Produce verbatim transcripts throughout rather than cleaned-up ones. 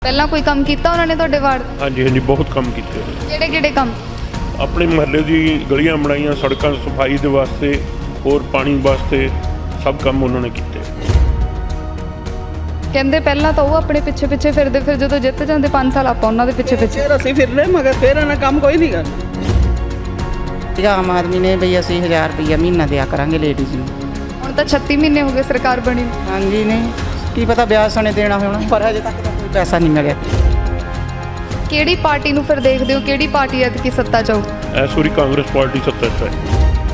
ਪਹਿਲਾਂ ਕੋਈ ਕੰਮ ਕੀਤਾ ਉਹਨਾਂ ਨੇ ਤੁਹਾਡੇ ਵਾਰਡ? ਹਾਂਜੀ ਹਾਂਜੀ ਬਹੁਤ ਕੰਮ ਕੀਤੇ ਕਿਹੜੇ ਕਿਹੜੇ ਕੰਮ? ਆਪਣੇ ਮੁਹੱਲੇ ਦੀ ਗਲੀਆਂ ਬਣਾਈਆਂ, ਸੜਕਾਂ ਸਫਾਈ ਦੇ ਵਾਸਤੇ, ਹੋਰ ਪਾਣੀ ਵਾਸਤੇ, ਸਭ ਕੰਮ ਉਹਨਾਂ ਨੇ ਕੀਤੇ। ਕਹਿੰਦੇ ਪਹਿਲਾਂ ਤਾਂ ਉਹ ਆਪਣੇ ਪਿੱਛੇ ਪਿੱਛੇ ਫਿਰਦੇ, ਫਿਰ ਜਦੋਂ ਜਿੱਤ ਜਾਂਦੇ ਪੰਜ ਸਾਲ ਆਪਾਂ ਉਹਨਾਂ ਦੇ ਪਿੱਛੇ ਪਿੱਛੇ। ਫਿਰ ਅਸੀਂ ਫਿਰਨੇ ਮਗਰ ਫਿਰ ਇਹਨਾਂ ਕੰਮ ਕੋਈ ਨਹੀਂ ਕਰਨਾ। ਆਮ ਆਦਮੀ ਨੇ ਬਈ ਅਸੀਂ ਹਜ਼ਾਰ ਰੁਪਈਆ ਮਹੀਨਾ ਦਿਆ ਕਰਾਂਗੇ ਲੇਡੀਜ਼ ਨੂੰ। ਹੁਣ ਤਾਂ ਛੱਤੀ ਮਹੀਨੇ ਹੋ ਗਏ ਸਰਕਾਰ ਬਣੀ ਨੂੰ। ਹਾਂਜੀ ਨਹੀਂ ਕੀ ਪਤਾ ਵਿਆਜ ਸਣੇ ਦੇਣਾ ਹੋਣਾ, ਪਰ ਹਜੇ ਤੱਕ ਤਾਂ ਕੋਈ ਪੈਸਾ ਨਹੀਂ ਮਿਲਿਆ। ਕਿਹੜੀ ਪਾਰਟੀ ਨੂੰ ਫਿਰ ਦੇਖਦੇ ਹੋ, ਕਿਹੜੀ ਪਾਰਟੀ ਐਤਕੀ ਸੱਤਾ 'ਚ ਆਊ? ਇਸ ਵਾਰੀ ਕਾਂਗਰਸ ਪਾਰਟੀ ਸੱਤਾ 'ਚ ਹੈ।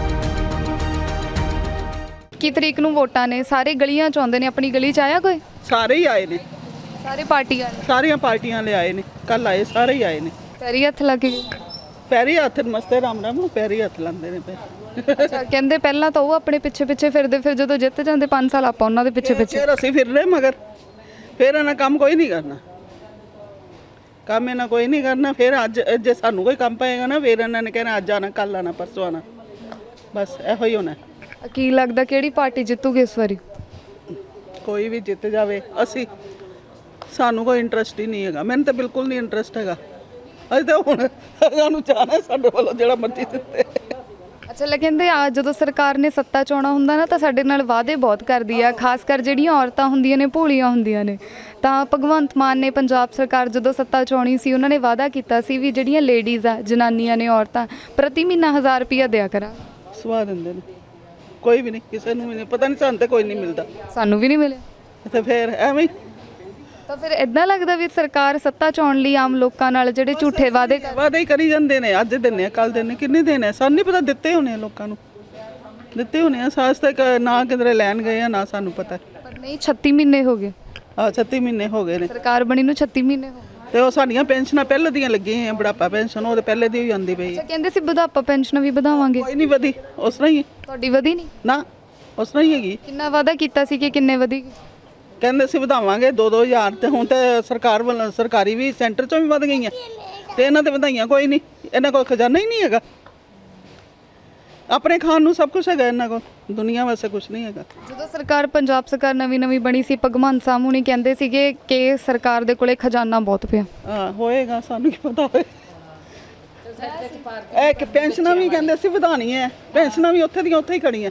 ਕੀ ਤਰੀਕ ਨੂੰ ਵੋਟਾਂ ਨੇ? ਸਾਰੇ ਗਲੀਆਂ 'ਚ ਆਉਂਦੇ ਨੇ। ਆਪਣੀ ਗਲੀ 'ਚ ਆਇਆ ਕੋਈ? ਸਾਰੇ ਹੀ ਆਏ ਨੇ, ਸਾਰੇ ਪਾਰਟੀ ਵਾਲੇ? ਸਾਰੀਆਂ ਪਾਰਟੀਆਂ ਲੈ ਆਏ ਨੇ, ਕੱਲ ਆਏ, ਸਾਰੇ ਹੀ ਆਏ ਨੇ। ਪੈਰੀ ਹੱਥ ਲੱਗ ਗਏ? ਪੈਰੀ ਹੱਥ ਮਸਤੇ ਰਾਮ ਰਾਮ ਨੂੰ ਪੈਰੀ ਹੱਥ ਲਾਉਂਦੇ ਨੇ ਪਏ। ਅੱਛਾ, ਕਹਿੰਦੇ ਪਹਿਲਾਂ ਤਾਂ ਉਹ ਆਪਣੇ ਪਿੱਛੇ ਪਿੱਛੇ ਫਿਰਦੇ, ਫਿਰ ਜਦੋਂ ਜਿੱਤ ਜਾਂਦੇ ਪੰਜ ਸਾਲ ਆਪਾਂ ਉਹਨਾਂ ਦੇ ਪਿੱਛੇ ਪਿੱਛੇ। ਫਿਰ ਅਸੀਂ ਫਿਰਨੇ ਮਗਰ ਫਿਰ ਇਹਨਾਂ ਕੰਮ ਕੋਈ ਨਹੀਂ ਕਰਨਾ। ਕੰਮ ਇਹਨਾਂ ਕੋਈ ਨਹੀਂ ਕਰਨਾ। ਫਿਰ ਅੱਜ ਜੇ ਸਾਨੂੰ ਕੋਈ ਕੰਮ ਪਏਗਾ ਨਾ, ਫਿਰ ਇਹਨਾਂ ਨੇ ਕਹਿਣਾ ਅੱਜ ਆਣਾ, ਕੱਲ ਆਣਾ, ਪਰਸੋਂ ਆਣਾ, ਬਸ ਇਹੋ ਹੀ ਹੋਣਾ। ਕੀ ਲੱਗਦਾ ਕਿਹੜੀ ਪਾਰਟੀ ਜਿੱਤੂਗੀ ਇਸ ਵਾਰੀ? ਕੋਈ ਵੀ ਜਿੱਤ ਜਾਵੇ, ਅਸੀਂ ਸਾਨੂੰ ਕੋਈ ਇੰਟਰਸਟ ਹੀ ਨਹੀਂ ਹੈਗਾ। ਮੈਨੂੰ ਤਾਂ ਬਿਲਕੁਲ ਨਹੀਂ ਇੰਟਰਸਟ ਹੈਗਾ। ਅਸੀਂ ਤਾਂ ਹੁਣ ਸਾਨੂੰ ਚਾਹਨਾ ਸਾਡੇ ਵੱਲੋਂ ਜਿਹੜਾ ਮਰਜ਼ੀ ਦਿੱਤੇ। ਅੱਛਾ, ਲੈ ਕਹਿੰਦੇ ਆ ਜਦੋਂ ਸਰਕਾਰ ਨੇ ਸੱਤਾ 'ਚ ਆਉਣਾ ਹੁੰਦਾ ਨਾ ਤਾਂ ਸਾਡੇ ਨਾਲ ਵਾਅਦੇ ਬਹੁਤ ਕਰਦੀ ਆ, ਖਾਸ ਕਰ ਜਿਹੜੀਆਂ ਔਰਤਾਂ ਹੁੰਦੀਆਂ ਨੇ ਭੋਲੀਆਂ ਹੁੰਦੀਆਂ ਨੇ। ਤਾਂ ਭਗਵੰਤ ਮਾਨ ਨੇ ਪੰਜਾਬ ਸਰਕਾਰ ਜਦੋਂ ਸੱਤਾ 'ਚ ਆਉਣੀ ਸੀ, ਉਹਨਾਂ ਨੇ ਵਾਅਦਾ ਕੀਤਾ ਸੀ ਵੀ ਜਿਹੜੀਆਂ ਲੇਡੀਜ਼ ਆ, ਜਨਾਨੀਆਂ ਨੇ, ਔਰਤਾਂ ਪ੍ਰਤੀ ਮਹੀਨਾ ਹਜ਼ਾਰ ਰੁਪਈਆ ਦਿਆ ਕਰਾਂ। ਸਵਾ ਦਿੰਦੇ ਨੇ, ਕੋਈ ਵੀ ਨਹੀਂ, ਕਿਸੇ ਨੂੰ ਵੀ ਨਹੀਂ ਪਤਾ। ਨਹੀਂ ਸਾਨੂੰ ਤਾਂ ਕੋਈ ਨਹੀਂ ਮਿਲਦਾ। ਸਾਨੂੰ ਵੀ ਨਹੀਂ ਮਿਲਿਆ। ਤੇ ਫਿਰ ਐਵੇਂ ਹੀ ਤਾਂ ਫਿਰ ਇਦਾਂ ਲੱਗਦਾ ਵੀ ਸਰਕਾਰ ਸੱਤਾ 'ਚ ਆਉਣ ਲਈ ਆਮ ਲੋਕਾਂ ਨਾਲ ਜਿਹੜੇ ਝੂਠੇ ਵਾਅਦੇ ਕਰ ਵਾਅਦੇ ਹੀ ਕਰੀ ਜਾਂਦੇ ਨੇ। ਅੱਜ ਦਿੰਨੇ ਆ, ਕੱਲ ਦਿੰਨੇ, ਕਿੰਨੇ ਦਿਨ ਸਾਨੂੰ ਨਹੀਂ ਪਤਾ। ਦਿੱਤੇ ਹੋਣੇ ਆ ਲੋਕਾਂ ਨੂੰ, ਦਿੱਤੇ ਹੋਣੇ ਆ। ਸਾਸ ਤੱਕ ਨਾ ਕਿਧਰੇ ਲੈਣ ਗਏ ਆ, ਨਾ ਸਾਨੂੰ ਪਤਾ। ਪਰ ਨਹੀਂ, ਛੱਤੀ ਮਹੀਨੇ ਹੋ ਗਏ ਆ ਛੱਤੀ ਮਹੀਨੇ ਹੋ ਗਏ ਨੇ ਸਰਕਾਰ ਬਣੀ ਨੂੰ। ਛੱਤੀ ਮਹੀਨੇ ਹੋ ਗਏ। ਤੇ ਉਹ ਸਾਡੀਆਂ ਪੈਨਸ਼ਨਾਂ ਪਹਿਲੇ ਦੀਆਂ ਲੱਗੀਆਂ ਆ, ਬੁਢਾਪਾ ਪੈਨਸ਼ਨ ਉਹ ਤੇ ਪਹਿਲੇ ਦੀ ਹੀ ਆਉਂਦੀ ਪਈ। ਅੱਛਾ, ਕਹਿੰਦੇ ਸੀ ਬੁਢਾਪਾ ਪੈਨਸ਼ਨ ਵੀ ਵਧਾਵਾਂਗੇ। ਕੋਈ ਨਹੀਂ ਵਧੀ, ਉਸ ਤਰ੍ਹਾਂ ਹੀ ਹੈ। ਤੁਹਾਡੀ ਵਧੀ ਨਹੀਂ? ਨਾ, ਉਸ ਤਰ੍ਹਾਂ ਹੀ ਹੈਗੀ। ਕਿੰਨਾ ਵਾਅਦਾ ਕੀਤਾ ਸੀ ਕਿ ਕਿੰਨੇ ਵਧੇਗੀ? ਕਹਿੰਦੇ ਸੀ ਵਧਾਵਾਂਗੇ ਦੋ ਦੋ ਹਜ਼ਾਰ, ਤੇ ਹੁਣ ਤੇ ਸਰਕਾਰ ਵੱਲੋਂ ਸਰਕਾਰੀ ਵੀ ਸੈਂਟਰ ਚੋਂ ਵੀ ਵਧ ਗਈਆਂ, ਤੇ ਇਹਨਾਂ ਤੇ ਵਧਾਈਆਂ ਕੋਈ ਨਹੀਂ। ਇਹਨਾਂ ਕੋਲ ਖਜ਼ਾਨਾ ਹੀ ਨਹੀਂ ਹੈਗਾ। ਆਪਣੇ ਖਾਣ ਨੂੰ ਸਭ ਕੁਝ ਹੈਗਾ ਇਹਨਾਂ ਕੋਲ, ਦੁਨੀਆ ਵਾਸਤੇ ਕੁਝ ਨਹੀਂ ਹੈਗਾ। ਜਦੋਂ ਸਰਕਾਰ ਪੰਜਾਬ ਸਰਕਾਰ ਨਵੀਂ ਨਵੀਂ ਬਣੀ ਸੀ, ਭਗਵੰਤ ਮਾਨ ਹੁਣੀ ਕਹਿੰਦੇ ਸੀਗੇ ਕਿ ਸਰਕਾਰ ਦੇ ਕੋਲੇ ਖਜ਼ਾਨਾ ਬਹੁਤ ਪਿਆ। ਹਾਂ ਹੋਏਗਾ, ਸਾਨੂੰ ਕੀ ਪਤਾ ਹੋਏ। ਇਹ ਕਿ ਪੈਨਸ਼ਨਾਂ ਵੀ ਕਹਿੰਦੇ ਸੀ ਵਧਾਉਣੀਆਂ, ਪੈਨਸ਼ਨਾਂ ਵੀ ਉੱਥੇ ਦੀਆਂ ਉੱਥੇ ਹੀ ਖੜੀਆਂ।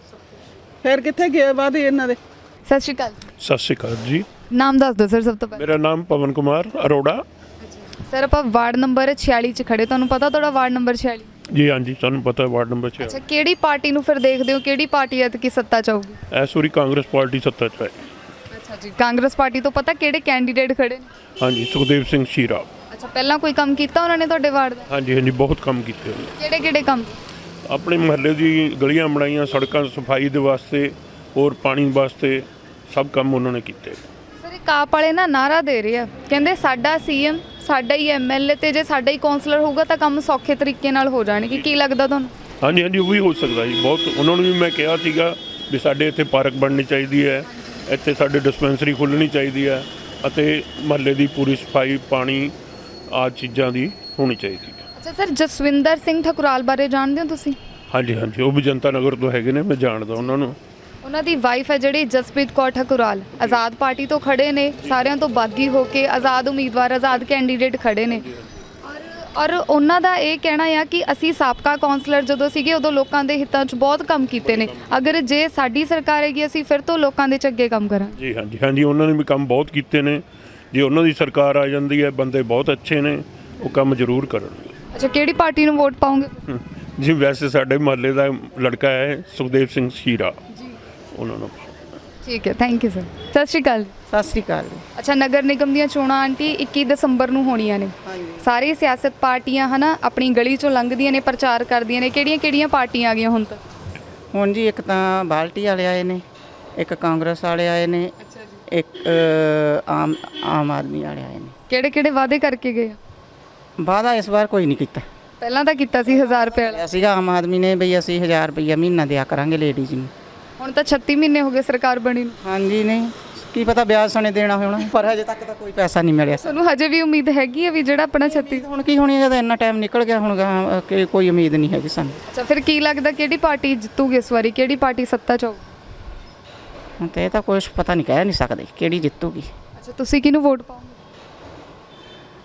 ਫਿਰ ਕਿੱਥੇ ਗਏ ਵਾਅਦੇ ਇਹਨਾਂ ਦੇ? ਸਤਿ ਸ਼੍ਰੀ ਅਕਾਲ। ਸਤਿ ਸ਼੍ਰੀ ਅਕਾਲ ਜੀ। ਨਾਮ ਦੱਸ ਦਿਓ ਸਰ ਸਭ ਤੋਂ ਪਹਿਲਾਂ। ਮੇਰਾ ਨਾਮ ਪਵਨ ਕੁਮਾਰ ਅਰੋੜਾ। ਸਰ ਆਪਾਂ ਵਾਰਡ ਨੰਬਰ ਛਿਆਲੀ 'ਚ ਖੜੇ, ਤੁਹਾਨੂੰ ਪਤਾ ਤੁਹਾਡਾ ਵਾਰਡ ਨੰਬਰ ਛਿਆਲੀ? ਜੀ ਹਾਂਜੀ, ਸਾਨੂੰ ਪਤਾ ਵਾਰਡ ਨੰਬਰ ਛੇ। ਅੱਛਾ, ਕਿਹੜੀ ਪਾਰਟੀ ਨੂੰ ਫਿਰ ਦੇਖਦੇ ਹੋ, ਕਿਹੜੀ ਪਾਰਟੀ ਐਤਕੀ ਸੱਤਾ 'ਚ ਆਊਗੀ? ਇਸ ਵਾਰੀ ਕਾਂਗਰਸ ਪਾਰਟੀ ਸੱਤਾ 'ਚ ਹੈ। ਅੱਛਾ ਜੀ, ਕਾਂਗਰਸ ਪਾਰਟੀ ਤੋਂ ਪਤਾ ਕਿਹੜੇ ਕੈਂਡੀਡੇਟ ਖੜੇ ਨੇ? ਹਾਂਜੀ, ਸੁਖਦੇਵ ਸਿੰਘ ਸ਼ੀਰਾ। ਅੱਛਾ, ਪਹਿਲਾਂ ਕੋਈ ਕੰਮ ਕੀਤਾ ਉਹਨਾਂ ਨੇ ਤੁਹਾਡੇ ਵਾਰਡ ਦਾ? ਹਾਂਜੀ ਹਾਂਜੀ ਬਹੁਤ ਕੰਮ ਕੀਤੇ ਉਹਨੇ। ਕਿਹੜੇ ਕਿਹੜੇ ਕੰਮ? ਆਪਣੇ ਮੁਹੱਲੇ ਦੀ ਗਲੀਆਂ ਬਣਾਈਆਂ, ਸੜਕਾਂ ਸਫਾਈ ਦੇ ਵਾਸਤੇ, ਹੋਰ ਪਾਣੀ ਵਾਸਤੇ, ਸਭ ਕੰਮ ਉਹਨਾਂ ਨੇ ਕੀਤੇ। ਸਰ ਇਹ ਕਾਪ ਵਾਲੇ ਨਾ ਨਾਰਾ ਦੇ ਰਹੇ ਆ, ਕਹਿੰਦੇ ਸਾਡਾ ਸੀਐਮ, ਸਾਡਾ ਹੀ ਐਮਐਲਏ, ਤੇ ਜੇ ਸਾਡਾ ਹੀ ਕਾਉਂਸਲਰ ਹੋਊਗਾ ਤਾਂ ਕੰਮ ਸੌਖੇ ਤਰੀਕੇ ਨਾਲ ਹੋ ਜਾਣਗੇ। ਕੀ ਲੱਗਦਾ ਤੁਹਾਨੂੰ? ਹਾਂਜੀ ਹਾਂਜੀ ਉਹ ਵੀ ਹੋ ਸਕਦਾ ਜੀ। ਬਹੁਤ ਉਹਨਾਂ ਨੂੰ ਵੀ ਮੈਂ ਕਿਹਾ ਸੀਗਾ ਵੀ ਸਾਡੇ ਇੱਥੇ ਪਾਰਕ ਬਣਨੀ ਚਾਹੀਦੀ ਹੈ, ਇੱਥੇ ਸਾਡੇ ਡਿਸਪੈਂਸਰੀ ਖੁੱਲ੍ਹਣੀ ਚਾਹੀਦੀ ਹੈ, ਅਤੇ ਮੁਹੱਲੇ ਦੀ ਪੂਰੀ ਸਫਾਈ, ਪਾਣੀ ਆਦਿ ਚੀਜ਼ਾਂ ਦੀ ਹੋਣੀ ਚਾਹੀਦੀ ਹੈ। ਅੱਛਾ ਸਰ, ਜਸਵਿੰਦਰ ਸਿੰਘ ਠਕੁਰਾਲ ਬਾਰੇ ਜਾਣਦੇ ਹੋ ਤੁਸੀਂ? ਹਾਂਜੀ ਹਾਂਜੀ ਉਹ ਵੀ ਜਨਤਾ ਨਗਰ ਤੋਂ ਹੈਗੇ ਨੇ, ਮੈਂ ਜਾਣਦਾ ਉਹਨਾਂ ਨੂੰ। ਉਹਨਾਂ ਦੀ ਵਾਈਫ ਹੈ ਜਿਹੜੀ ਜਸਪ੍ਰੀਤ ਕੌਰ ਠਕੁਰਾਲ, ਆਜ਼ਾਦ ਪਾਰਟੀ ਤੋਂ ਖੜੇ ਨੇ, ਸਾਰਿਆਂ ਤੋਂ ਬਾਗੀ ਹੋ ਕੇ ਆਜ਼ਾਦ ਉਮੀਦਵਾਰ, ਆਜ਼ਾਦ ਕੈਂਡੀਡੇਟ ਖੜੇ ਨੇ। ਔਰ ਔਰ ਉਹਨਾਂ ਦਾ ਇਹ ਕਹਿਣਾ ਆ ਕਿ ਅਸੀਂ ਸਾਬਕਾ ਕਾਉਂਸਲਰ ਜਦੋਂ ਸੀਗੇ ਉਦੋਂ ਲੋਕਾਂ ਦੇ ਹਿੱਤਾਂ 'ਚ ਬਹੁਤ ਕੰਮ ਕੀਤੇ ਨੇ, ਅਗਰ ਜੇ ਸਾਡੀ ਸਰਕਾਰ ਹੈਗੀ ਅਸੀਂ ਫਿਰ ਤੋਂ ਲੋਕਾਂ ਦੇ ਚੰਗੇ ਕੰਮ ਕਰਾਂਗੇ। ਜੀ ਹਾਂਜੀ ਹਾਂਜੀ ਉਹਨਾਂ ਨੇ ਵੀ ਕੰਮ ਬਹੁਤ ਕੀਤੇ ਨੇ। ਜੇ ਉਹਨਾਂ ਦੀ ਸਰਕਾਰ ਆ ਜਾਂਦੀ ਹੈ, ਬੰਦੇ ਬਹੁਤ ਅੱਛੇ ਨੇ, ਉਹ ਕੰਮ ਜ਼ਰੂਰ ਕਰਨਗੇ। ਅੱਛਾ, ਕਿਹੜੀ ਪਾਰਟੀ ਨੂੰ ਵੋਟ ਪਾਉਂਗੇ? ਜੀ ਵੈਸੇ ਸਾਡੇ ਮੁਹੱਲੇ ਦਾ ਲੜਕਾ ਹੈ ਸੁਖਦੇਵ ਸਿੰਘ ਸ਼ੀਰਾ, ਉਹਨਾਂ ਨੂੰ। ਠੀਕ ਹੈ, ਥੈਂਕ ਯੂ ਸਰ। ਸਤਿ ਸ਼੍ਰੀ ਅਕਾਲ। ਸਤਿ ਸ੍ਰੀ ਅਕਾਲ। ਅੱਛਾ, ਨਗਰ ਨਿਗਮ ਦੀਆਂ ਚੋਣਾਂ ਆਂਟੀ ਇੱਕੀ ਦਸੰਬਰ ਨੂੰ ਹੋਣੀਆਂ ਨੇ। ਸਾਰੀ ਸਿਆਸਤ ਪਾਰਟੀਆਂ ਹਨਾ ਆਪਣੀ ਗਲੀ ਚੋਂ ਲੰਘਦੀਆਂ ਨੇ, ਪ੍ਰਚਾਰ ਕਰਦੀਆਂ ਨੇ। ਕਿਹੜੀਆਂ ਕਿਹੜੀਆਂ ਪਾਰਟੀਆਂ ਆ ਗਈਆਂ ਹੁਣ ਤੱਕ? ਹੁਣ ਜੀ ਇੱਕ ਤਾਂ ਬਾਲਟੀ ਵਾਲੇ ਆਏ ਨੇ, ਇੱਕ ਕਾਂਗਰਸ ਵਾਲੇ ਆਏ ਨੇ, ਇੱਕ ਆਮ ਆਮ ਆਦਮੀ ਵਾਲੇ ਆਏ ਨੇ। ਕਿਹੜੇ ਕਿਹੜੇ ਵਾਅਦੇ ਕਰਕੇ ਗਏ ਆ? ਵਾਅਦਾ ਇਸ ਵਾਰ ਕੋਈ ਨਹੀਂ ਕੀਤਾ। ਪਹਿਲਾਂ ਤਾਂ ਕੀਤਾ ਸੀ ਹਜ਼ਾਰ ਰੁਪਏ ਵਾਲਾ। ਸੀਗਾ ਆਮ ਆਦਮੀ ਨੇ ਬਈ ਅਸੀਂ ਹਜ਼ਾਰ ਰੁਪਈਆ ਮਹੀਨਾ ਦਿਆ ਕਰਾਂਗੇ ਲੇਡੀਜ਼ ਨੂੰ। ਹੁਣ ਤਾਂ ਛੱਤੀ ਮਹੀਨੇ ਹੋ ਗਏ ਸਰਕਾਰ ਬਣੀ ਨੂੰ। ਹਾਂਜੀ ਨਹੀਂ ਕੀ ਪਤਾ ਵਿਆਜ ਸਣੇ ਦੇਣਾ ਹੋਣਾ, ਪਰ ਹਜੇ ਤੱਕ ਤਾਂ ਕੋਈ ਪੈਸਾ ਨਹੀਂ ਮਿਲਿਆ। ਤੁਹਾਨੂੰ ਹਜੇ ਵੀ ਉਮੀਦ ਹੈਗੀ ਹੈ ਵੀ ਜਿਹੜਾ ਆਪਣਾ ਛੱਤੀ? ਹੁਣ ਕੀ ਹੋਣੀ ਜਦੋਂ ਇੰਨਾ ਟਾਈਮ ਨਿਕਲ ਗਿਆ, ਹੁਣ ਗਾਹਾਂ ਕਿ ਕੋਈ ਉਮੀਦ ਨਹੀਂ ਹੈਗੀ ਸਾਨੂੰ। ਅੱਛਾ, ਫਿਰ ਕੀ ਲੱਗਦਾ ਕਿਹੜੀ ਪਾਰਟੀ ਜਿੱਤੂਗੀ ਇਸ ਵਾਰੀ, ਕਿਹੜੀ ਪਾਰਟੀ ਸੱਤਾ 'ਚ ਆਊ? ਹੁਣ ਤਾਂ ਇਹ ਤਾਂ ਕੁਛ ਪਤਾ ਨਹੀਂ, ਕਹਿ ਨਹੀਂ ਸਕਦੇ ਕਿਹੜੀ ਜਿੱਤੂਗੀ। ਅੱਛਾ, ਤੁਸੀਂ ਕਿਹਨੂੰ ਵੋਟ ਪਾਓਗੇ?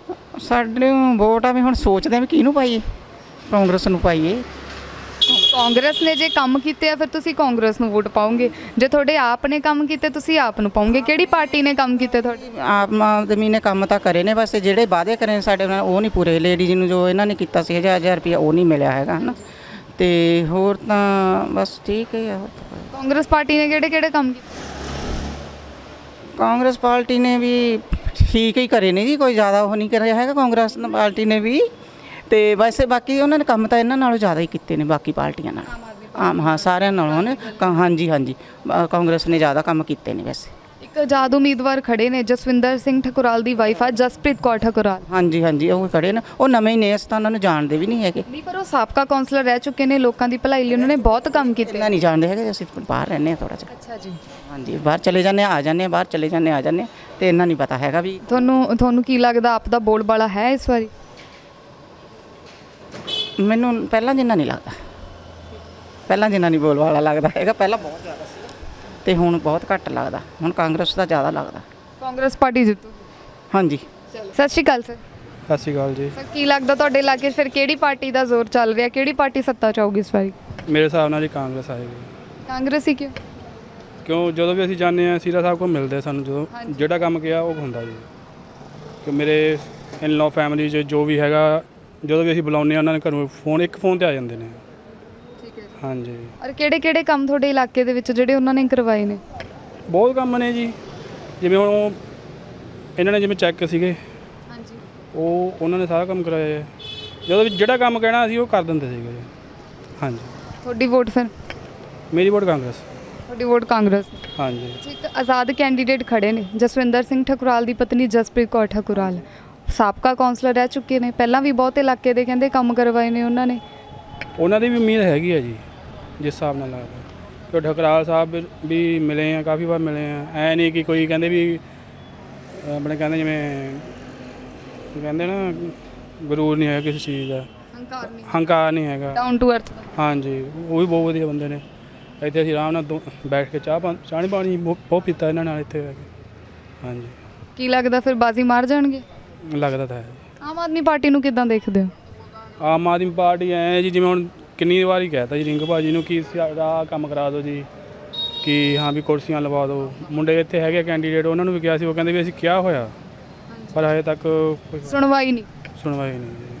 ਸਾਡੇ ਨੂੰ ਵੋਟ ਆ ਵੀ ਹੁਣ ਸੋਚਦੇ ਆ ਵੀ ਕਿਹਨੂੰ ਪਾਈਏ, ਕਾਂਗਰਸ ਨੂੰ ਪਾਈਏ। ਕਾਂਗਰਸ ਨੇ ਜੇ ਕੰਮ ਕੀਤੇ ਆ ਫਿਰ ਤੁਸੀਂ ਕਾਂਗਰਸ ਨੂੰ ਵੋਟ ਪਾਓਗੇ, ਜੇ ਤੁਹਾਡੇ ਆਪ ਨੇ ਕੰਮ ਕੀਤੇ ਤੁਸੀਂ ਆਪ ਨੂੰ ਪਾਓਗੇ। ਕਿਹੜੀ ਪਾਰਟੀ ਨੇ ਕੰਮ ਕੀਤੇ ਤੁਹਾਡੇ? ਆਮ ਆਦਮੀ ਨੇ ਕੰਮ ਤਾਂ ਕਰੇ ਨੇ, ਬਸ ਜਿਹੜੇ ਵਾਅਦੇ ਕਰੇ ਨੇ ਸਾਡੇ ਨਾਲ ਉਹ ਨਹੀਂ ਪੂਰੇ। ਲੇਡੀਜ਼ ਨੂੰ ਜੋ ਇਹਨਾਂ ਨੇ ਕੀਤਾ ਸੀ ਹਜ਼ਾਰ ਹਜ਼ਾਰ ਰੁਪਇਆ ਉਹ ਨਹੀਂ ਮਿਲਿਆ ਹੈਗਾ ਹੈ ਨਾ, ਤੇ ਹੋਰ ਤਾਂ ਬਸ ਠੀਕ ਹੈ। ਹੋਰ ਤਾਂ ਕੋਈ- ਕਾਂਗਰਸ ਪਾਰਟੀ ਨੇ ਕਿਹੜੇ ਕਿਹੜੇ ਕੰਮ ਕੀਤੇ? ਕਾਂਗਰਸ ਪਾਰਟੀ ਨੇ ਵੀ ਠੀਕ ਹੀ ਕਰੇ ਨੇ ਜੀ, ਕੋਈ ਜ਼ਿਆਦਾ ਉਹ ਨਹੀਂ ਕਰਿਆ ਹੈਗਾ ਕਾਂਗਰਸ ਪਾਰਟੀ ਨੇ ਵੀ। ਤੇ ਵੈਸੇ ਬਾਕੀ ਉਹਨਾਂ ਨੇ ਕੰਮ ਤਾਂ ਇਹਨਾਂ ਨਾਲੋਂ ਜ਼ਿਆਦਾ ਹੀ ਕੀਤੇ ਨੇ ਬਾਕੀ ਪਾਰਟੀਆਂ ਨਾਲ। ਆਮ ਹਾਂ ਸਾਰਿਆਂ ਨਾਲੋਂ ਨੇ ਕਾ- ਹਾਂਜੀ ਹਾਂਜੀ ਅ, ਕਾਂਗਰਸ ਨੇ ਜ਼ਿਆਦਾ ਕੰਮ ਕੀਤੇ ਨੇ ਵੈਸੇ। ਇੱਕ ਆਜ਼ਾਦ ਉਮੀਦਵਾਰ ਖੜੇ ਨੇ, ਜਸਵਿੰਦਰ ਸਿੰਘ ਠਕੁਰਾਲ ਦੀ ਵਾਈਫ ਆ ਜਸਪ੍ਰੀਤ ਕੌਰ ਠਕੁਰਾਲ। ਹਾਂਜੀ ਹਾਂਜੀ ਉਹ ਖੜੇ ਨੇ, ਉਹ ਨਵੇਂ ਹੀ ਨੇ, ਅਸੀਂ ਤਾਂ ਉਹਨਾਂ ਨੂੰ ਜਾਣਦੇ ਵੀ ਨਹੀਂ ਹੈਗੇ। ਨਹੀਂ ਪਰ ਉਹ ਸਾਬਕਾ ਕਾਉਂਸਲਰ ਰਹਿ ਚੁੱਕੇ ਨੇ, ਲੋਕਾਂ ਦੀ ਭਲਾਈ ਲਈ ਉਹਨਾਂ ਨੇ ਬਹੁਤ ਕੰਮ ਕੀਤੇ। ਇੰਨਾ ਨਹੀਂ ਜਾਣਦੇ ਹੈਗੇ, ਅਸੀਂ ਬਾਹਰ ਰਹਿੰਦੇ ਹਾਂ ਥੋੜ੍ਹਾ ਜਿਹਾ। ਅੱਛਾ ਜੀ। ਹਾਂਜੀ ਬਾਹਰ ਚਲੇ ਜਾਂਦੇ ਹਾਂ, ਆ ਜਾਂਦੇ ਹਾਂ, ਬਾਹਰ ਚਲੇ ਜਾਂਦੇ ਹਾਂ, ਆ ਜਾਂਦੇ ਹਾਂ, ਤੇ ਇੰਨਾ ਨਹੀਂ ਪਤਾ ਹੈਗਾ ਵੀ। ਤੁਹਾਨੂੰ ਤੁਹਾਨੂੰ ਕੀ ਲੱਗਦਾ ਆਪ ਦਾ ਬੋਲਬਾਲਾ ਹੈ ਇਸ ਵਾਰੀ? ਮੈਨੂੰ ਪਹਿਲਾਂ ਜਿੰਨਾ ਨਹੀਂ ਲੱਗਦਾ, ਪਹਿਲਾਂ ਜਿੰਨਾ ਨਹੀਂ ਬੋਲ ਵਾਲਾ ਲੱਗਦਾ ਹੈਗਾ। ਪਹਿਲਾਂ ਬਹੁਤ ਜ਼ਿਆਦਾ ਸੀ ਤੇ ਹੁਣ ਬਹੁਤ ਘੱਟ ਲੱਗਦਾ, ਹੁਣ ਕਾਂਗਰਸ ਦਾ ਜ਼ਿਆਦਾ ਲੱਗਦਾ। ਕਾਂਗਰਸ ਪਾਰਟੀ ਜਿੱਤੂ। ਹਾਂਜੀ ਸਤਿ ਸ਼੍ਰੀ ਅਕਾਲ ਸਰ। ਸਤਿ ਸ਼੍ਰੀ ਅਕਾਲ ਜੀ। ਸਰ ਕੀ ਲੱਗਦਾ ਤੁਹਾਡੇ ਇਲਾਕੇ 'ਚ ਫਿਰ ਕਿਹੜੀ ਪਾਰਟੀ ਦਾ ਜ਼ੋਰ ਚੱਲ ਰਿਹਾ, ਕਿਹੜੀ ਪਾਰਟੀ ਸੱਤਾ 'ਚ ਆਊਗੀ ਇਸ ਵਾਰੀ? ਮੇਰੇ ਹਿਸਾਬ ਨਾਲ ਜੀ ਕਾਂਗਰਸ ਆਏਗੀ, ਕਾਂਗਰਸ ਹੀ ਕਿਉਂ? ਕਿਉਂ ਜਦੋਂ ਵੀ ਅਸੀਂ ਜਾਂਦੇ ਹਾਂ ਸੀਰਾ ਸਾਹਿਬ ਕੋਲ ਮਿਲਦੇ ਸਾਨੂੰ, ਜਦੋਂ ਜਿਹੜਾ ਕੰਮ ਕਿਹਾ ਉਹ ਹੁੰਦਾ ਜੀ। ਕਿ ਮੇਰੇ ਇਨ ਲਾਅ ਫੈਮਿਲੀ 'ਚ ਜੋ ਵੀ ਹੈਗਾ, ਜਦੋਂ ਵੀ ਅਸੀਂ ਬੁਲਾਉਂਦੇ ਹਾਂ ਉਹਨਾਂ ਨੇ ਘਰੋਂ ਫੋਨ ਇੱਕ ਫੋਨ ਤੇ ਆ ਜਾਂਦੇ ਨੇ। ਠੀਕ ਹੈ। ਹਾਂਜੀ ਔਰ ਕਿਹੜੇ ਕਿਹੜੇ ਕੰਮ ਤੁਹਾਡੇ ਇਲਾਕੇ ਦੇ ਵਿੱਚ ਜਿਹੜੇ ਉਹਨਾਂ ਨੇ ਕਰਵਾਏ ਨੇ? ਬਹੁਤ ਕੰਮ ਨੇ ਜੀ, ਜਿਵੇਂ ਹੁਣ ਉਹ ਇਹਨਾਂ ਨੇ ਜਿਵੇਂ ਚੈੱਕ ਸੀਗੇ, ਹਾਂਜੀ। ਉਹ ਉਹਨਾਂ ਨੇ ਸਾਰਾ ਕੰਮ ਕਰਾਇਆ ਹੈ। ਜਦੋਂ ਵੀ ਜਿਹੜਾ ਕੰਮ ਕਹਿਣਾ ਅਸੀਂ ਉਹ ਕਰ ਦਿੰਦੇ ਸੀਗੇ ਜੀ। ਹਾਂਜੀ ਤੁਹਾਡੀ ਵੋਟ ਫਿਰ? ਮੇਰੀ ਵੋਟ ਕਾਂਗਰਸ। ਤੁਹਾਡੀ ਵੋਟ ਕਾਂਗਰਸ। ਹਾਂਜੀ ਇੱਕ ਆਜ਼ਾਦ ਕੈਂਡੀਡੇਟ ਖੜੇ ਨੇ, ਜਸਵਿੰਦਰ ਸਿੰਘ ਠਕੁਰਾਲ ਦੀ ਪਤਨੀ ਜਸਪ੍ਰੀਤ ਕੌਰ ਠਕੁਰਾਲ, ਸਾਬਕਾ ਕਾਉਂਸਲਰ ਰਹਿ ਚੁੱਕੇ ਨੇ, ਪਹਿਲਾਂ ਵੀ ਬਹੁਤ ਇਲਾਕੇ ਦੇ ਕਹਿੰਦੇ ਕੰਮ ਕਰਵਾਏ ਨੇ ਉਹਨਾਂ ਨੇ। ਉਹਨਾਂ ਦੀ ਵੀ ਉਮੀਦ ਹੈਗੀ ਹੈ ਜੀ, ਜਿਸ ਹਿਸਾਬ ਨਾਲ ਲੱਗਦਾ ਕਿ ਠਕਰਾਲ ਸਾਹਿਬ ਵੀ ਮਿਲੇ ਆ, ਕਾਫੀ ਵਾਰ ਮਿਲੇ ਆ। ਐ ਨਹੀਂ ਕਿ ਕੋਈ ਕਹਿੰਦੇ ਵੀ ਆਪਣੇ ਕਹਿੰਦੇ ਜਿਵੇਂ ਕਹਿੰਦੇ ਨਾ ਗਰੂਰ ਨਹੀਂ ਹੈਗਾ ਕਿਸੇ ਚੀਜ਼ ਦਾ, ਹੰਕਾਰ ਨਹੀਂ, ਹੰਕਾਰ ਨਹੀਂ ਹੈਗਾ। Down to earth. ਹਾਂਜੀ ਉਹ ਵੀ ਬਹੁਤ ਵਧੀਆ ਬੰਦੇ ਨੇ। ਇੱਥੇ ਅਸੀਂ ਆਰਾਮ ਨਾਲ ਦੋ ਬੈਠ ਕੇ ਚਾਹ ਪਾ ਚਾਹ ਪਾਣੀ ਬਹੁਤ ਪੀਤਾ ਇਹਨਾਂ ਨਾਲ ਇੱਥੇ ਬਹਿ ਕੇ। ਹਾਂਜੀ ਕੀ ਲੱਗਦਾ ਫਿਰ ਬਾਜ਼ੀ ਮਾਰ ਜਾਣਗੇ? ਲੱਗਦਾ ਤਾਂ ਹੈ। ਆਮ ਆਦਮੀ ਪਾਰਟੀ ਨੂੰ ਕਿੱਦਾਂ ਦੇਖਦੇ ਹੋ? ਆਮ ਆਦਮੀ ਪਾਰਟੀ ਐ ਜੀ, ਜਿਵੇਂ ਹੁਣ ਕਿੰਨੀ ਵਾਰੀ ਕਹਿਤਾ ਜੀ ਰਿੰਗ ਭਾਜੀ ਨੂੰ ਕਿ ਆਹ ਕੰਮ ਕਰਾ ਦਿਓ ਜੀ, ਕਿ ਹਾਂ ਵੀ ਕੁਰਸੀਆਂ ਲਵਾ ਦਿਓ। ਮੁੰਡੇ ਇੱਥੇ ਹੈਗੇ ਕੈਂਡੀਡੇਟ, ਉਹਨਾਂ ਨੂੰ ਵੀ ਕਿਹਾ ਸੀ, ਉਹ ਕਹਿੰਦੇ ਵੀ ਅਸੀਂ ਕਿਹਾ ਹੋਇਆ, ਪਰ ਹਜੇ ਤੱਕ ਕੋਈ ਸੁਣਵਾਈ ਨਹੀਂ। ਸੁਣਵਾਈ ਨਹੀਂ ਜੀ।